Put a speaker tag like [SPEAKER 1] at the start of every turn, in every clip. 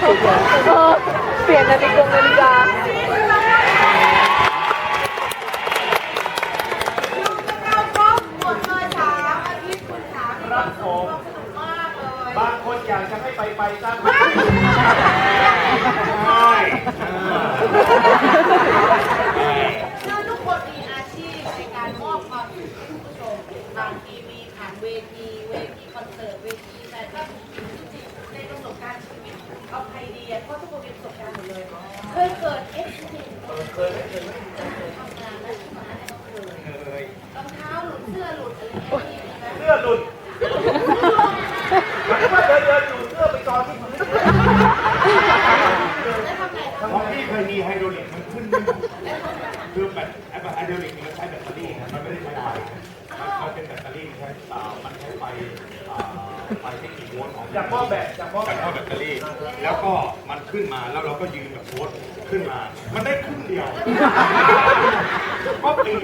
[SPEAKER 1] เปลี่ยนนาฬิกา
[SPEAKER 2] ครับผมบางคนอยากจะให้ไปตั้งใช่
[SPEAKER 3] คือทุกคนมีอาชีพในการมอบความสุขให้ผู้ชมบางทีมีผ่านเวทีคอนเสิร์ตเวทีแต่ก็จริงๆในประสบการณ์ชีวิตเอาใครดีเพราะทุกคนมีประสบการณ์หมดเลยเคยเกิดเอ็กซ์ตรีมเคยทำงานและที่มาให้เราเคยรองเท้าหลุดเสื้อหลุดอะไรอย่างเงี้ย
[SPEAKER 2] เสื้อหลุดหมายว่าเดินอยู่เสื้อไปกองที่พื้นของพี่เคยมีไฮโดรลิกมันขึ้นคือแบบไฮโดรลิกมันใช้แบตเตอรี่มันไม่ได้ใช้ไฟมันเป็นแบตเตอรี่มันใช้ไฟไม่กี่โวลต์ของจากหม้อแบตเตอรี่แล้วก็มันขึ้นมาแล้วเราก็ยืนแบบโพสขึ้นมามันได้ครึ่งเดียวก็ปีน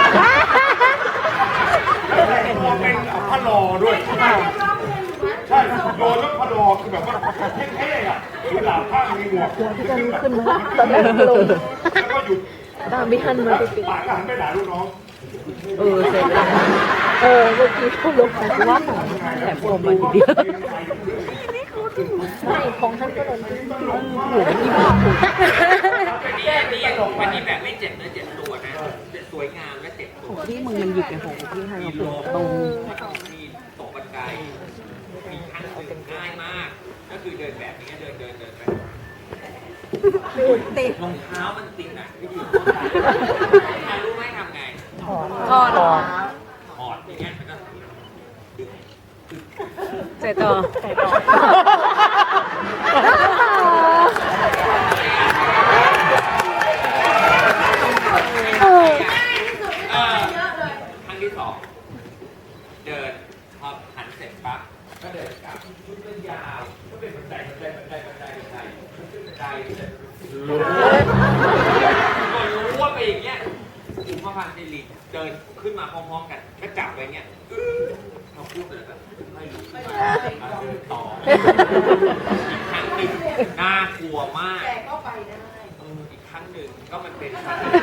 [SPEAKER 2] แล้วแต่งตัวเป็นพะลอด้วยใช่โดนแล้วพะลอคือแบบว่าเท่ๆอ่ะคือหลาผ้ามีหมวก
[SPEAKER 1] ขึ้นมาตอนแรกลง
[SPEAKER 2] แล้วก็หยุด
[SPEAKER 1] ตามไม่ทันมาติด
[SPEAKER 2] ปากก็หันไปด่าลูกน้อง
[SPEAKER 1] เสร็จแล้วเมื่อกี้เขาลงมาว่าแถมโอมาทีเดียวใช่ของท่านก็ลงหัวที่บ้า
[SPEAKER 4] อันนี้แบบไม่เจ็บเนื้อเจ็บตัวนะสวยงามและเจ็บตัว
[SPEAKER 1] ที่มึงมันหยิบไอ้ของที่ให้เราปวดตรง
[SPEAKER 4] มีตกบันไดมีขั้นหนึ่งง่ายมากก็คือเดินแบบนี้เดินไป
[SPEAKER 1] ติด
[SPEAKER 4] รองเท้ามันติดอ่ะวิธีรู้ไหมทำไง
[SPEAKER 1] ถอด
[SPEAKER 4] อย่างเงี้ยมันก็
[SPEAKER 1] ใส่ต่อ
[SPEAKER 4] ครั้งที่สองเดินพอหันเสร็จปั๊บก็เดินกลับชุดเดินยาวก็เป็นบันไดขึ้นบันไดรู้ว่าไปอย่างเงี้ยอุปพันธ์สิริเดินขึ้นมาพร้อมๆกันก็จับไว้เงี้ยเราพูดเลยแบบไม่รู้ต่ออีกครั้งหนึ่งน่ากลัวมาก
[SPEAKER 3] แต่ก็ไปได้
[SPEAKER 4] อีกครั้งหนึ่งก็มันเป็น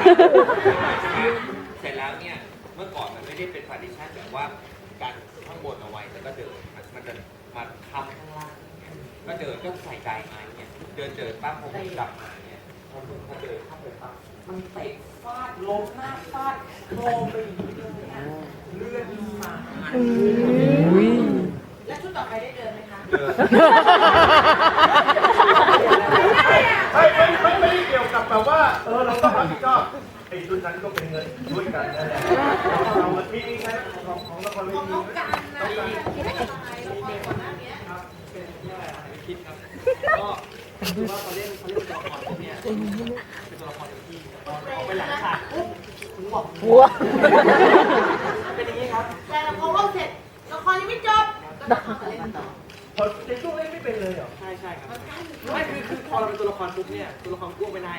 [SPEAKER 4] เสร็จแล้วเนี่ยเมื่อก่อนมันไม่ได้เป็นพาร์ติชันแบบว่าการข้างบนเอาไว้แล้วก็เดินมันจะมาทำข้างล่างก็เดินก็ใส่ใจมาเนี่ยเดินปั๊บพอผมกลับมาเนี่ยพอเดินเข้าไปปั๊บมันเตะฟาดล้มหน้าฟาดโครมไปอย่างนี้เลยเลือดมา
[SPEAKER 3] แล้วชุดต่อไปได้เดินไหมคะ
[SPEAKER 2] ไม่ได้เกี่ยวกับแบบว่าเราต้องรับผิดชอบไอ้ชุดนั้นก็เป็นเงินด้วยกันนั่นแหละเรามีใช่ของละครเวที
[SPEAKER 3] ของการนะคิดอะไรละครก่อนหน้านี้
[SPEAKER 4] ครับเป็นคิดครับก็คือว่าเขาเล่นตัวละครพวกนี้เป็นตัวละครที่เอาไปหลังฉากปุ๊บถึงบอก
[SPEAKER 1] หัว
[SPEAKER 4] เป็นอย่างนี้ครับ
[SPEAKER 3] แต่ละครเสร็จละครยังไม่จบก็ต้องมาเล่นต่อ
[SPEAKER 2] ในช่วงเล่นไม่เป็นเลยเหรอ
[SPEAKER 4] ใช่ครับไม่คือพอเราเป็นตัวละครปุ๊บเนี่ยตัวละครกู้ไม่ได้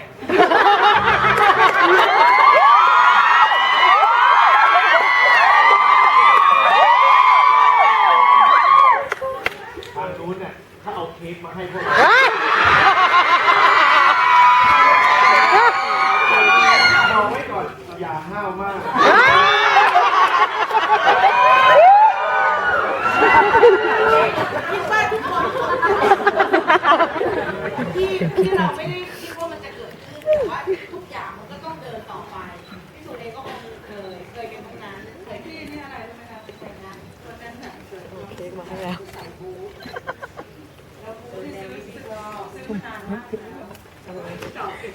[SPEAKER 2] ทางนู้นเนี่ยถ้าเอาเค้กมาให้พวกเราไว้ก่อนอย่าห้าวมาก
[SPEAKER 3] คิดว่าทุกคนที่เราไม่ได้คิดว่ามันจะเกิดขึ้นแต่ว่าทุกอย่างมันก็ต้องเดินต่อไปพี่สุเองก็คงเคยกันทั้งนั้นเคยที่นี่อะไรรู้ไหมคะแต่งงานวันนั้นน่ะ
[SPEAKER 1] เค้กมาให้แล้ว
[SPEAKER 3] ใส่บูแล้วบูที่ซื้อมานานมากจอดติด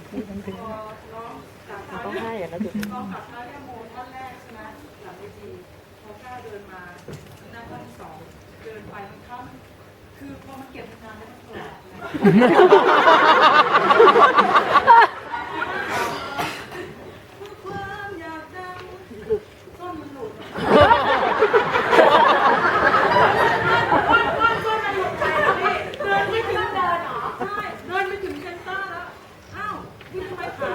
[SPEAKER 1] ต้องให้อย่างนั้นจุด
[SPEAKER 3] น้องกับพระยาโมท่านแรกใช่ไหมหลังเวทีพอก้าวเดินมาหน้าท่านสองเดินไปมันเข้าคือพอมันเก็บนานแล้วมันแปลกความอยากดังก้นมันหลุดก้นมันหลุดไปแล้วพี่เดินไม่ถึงเดินหรอใช่เดินไม่ถึงเซนเตอร์แล้วอ้าวนี่ทำไมขา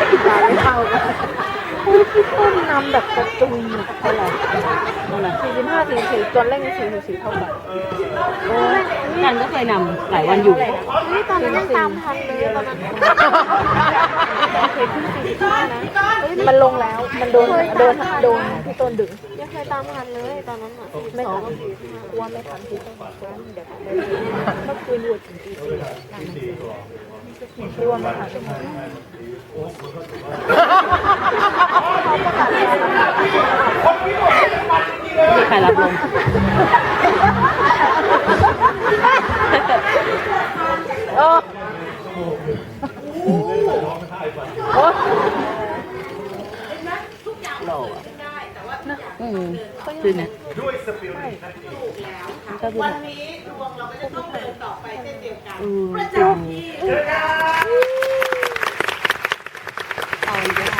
[SPEAKER 1] ไม่เข้าพี่ต้นนำแบบกระจุยอะไร45 5:44ตัวเร่ง4:44เท่ากันโอ้ยกันก็เคยนำหลายวันอยู่
[SPEAKER 5] นี่ตอนนั้นยังตามทันเลยตอนนั้นเคยขึ้น45นะ
[SPEAKER 1] มันลงแล้วมันโดนพี่ต้นดึง
[SPEAKER 5] ยังเคยตามทันเลยตอนนั้นอ่ะ
[SPEAKER 1] ไม่ทันกลัวไม่ทันพี่ต้นเดี๋ยวเมื่อคืนอยู่ถึงตี4กลัวไม่ทันมีใครรับลมโอ้โอ้
[SPEAKER 3] ทุกอย่างมันเกิดขึ้นได้แต่ว่าทุกอย่างมันเดินเข้า
[SPEAKER 1] คือเนี่ย
[SPEAKER 2] ด้วยสปิริต
[SPEAKER 3] ถูกแล้วค่ะวันนี้ดวงเราก็จะต้องเดินต่อไปเช่นเดียวกันประจำที่
[SPEAKER 1] เอาอีกแล้ว